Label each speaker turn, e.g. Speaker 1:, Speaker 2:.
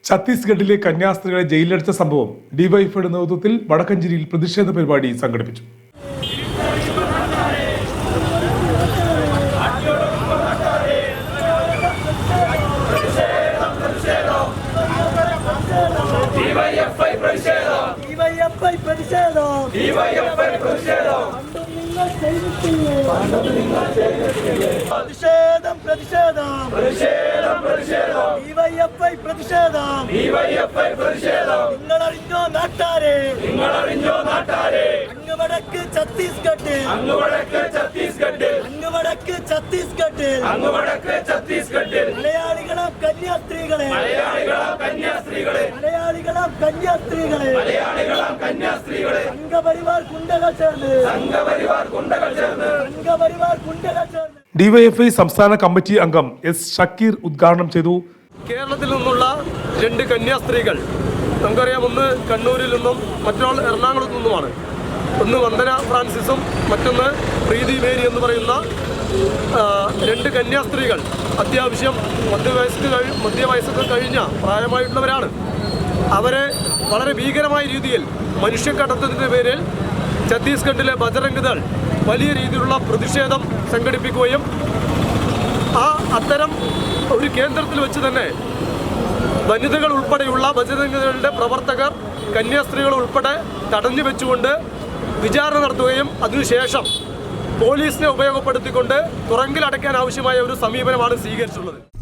Speaker 1: ഛത്തീസ്ഗഡിലെ കന്യാസ്ത്രീകളെ ജയിലിലടച്ച സംഭവം ഡിവൈഎഫ്ഐയുടെ നേതൃത്വത്തിൽ വടക്കഞ്ചേരിയിൽ പ്രതിഷേധ പരിപാടി സംഘടിപ്പിച്ചു. ഡിവൈഎഫ്ഐ സംസ്ഥാന കമ്മിറ്റി അംഗം എസ് ഷക്കീർ ഉദ്ഘാടനം ചെയ്തു.
Speaker 2: കേരളത്തിൽ നിന്നുള്ള 2 കന്യാസ്ത്രീകൾ, നമുക്കറിയാം, ഒന്ന് കണ്ണൂരിൽ നിന്നും മറ്റൊരാൾ എറണാകുളത്തു നിന്നുമാണ്. ഒന്ന് വന്ദന ഫ്രാൻസിസും മറ്റൊന്ന് പ്രീതി മേരി എന്ന് പറയുന്ന 2 കന്യാസ്ത്രീകൾ അത്യാവശ്യം മധ്യവയസ്സൊക്കെ കഴിഞ്ഞ പ്രായമായിട്ടുള്ളവരാണ്. അവരെ വളരെ ഭീകരമായ രീതിയിൽ മനുഷ്യക്കടത്തത്തിൻ്റെ പേരിൽ ഛത്തീസ്ഗഡിലെ ബജറംഗ് ദൾ വലിയ രീതിയിലുള്ള പ്രതിഷേധം സംഘടിപ്പിക്കുകയും അത്തരം ഒരു കേന്ദ്രത്തിൽ വെച്ച് തന്നെ വനിതകൾ ഉൾപ്പെടെയുള്ള ബജറംഗ് ദളിന്റെ പ്രവർത്തകർ കന്യാസ്ത്രീകൾ ഉൾപ്പെടെ തടഞ്ഞു വെച്ചുകൊണ്ട് വിചാരണ നടത്തുകയും അതിനുശേഷം പോലീസിനെ ഉപയോഗപ്പെടുത്തിക്കൊണ്ട് തുറങ്കിലടയ്ക്കാൻ ആവശ്യമായ ഒരു സമീപനമാണ് സ്വീകരിച്ചിട്ടുള്ളത്.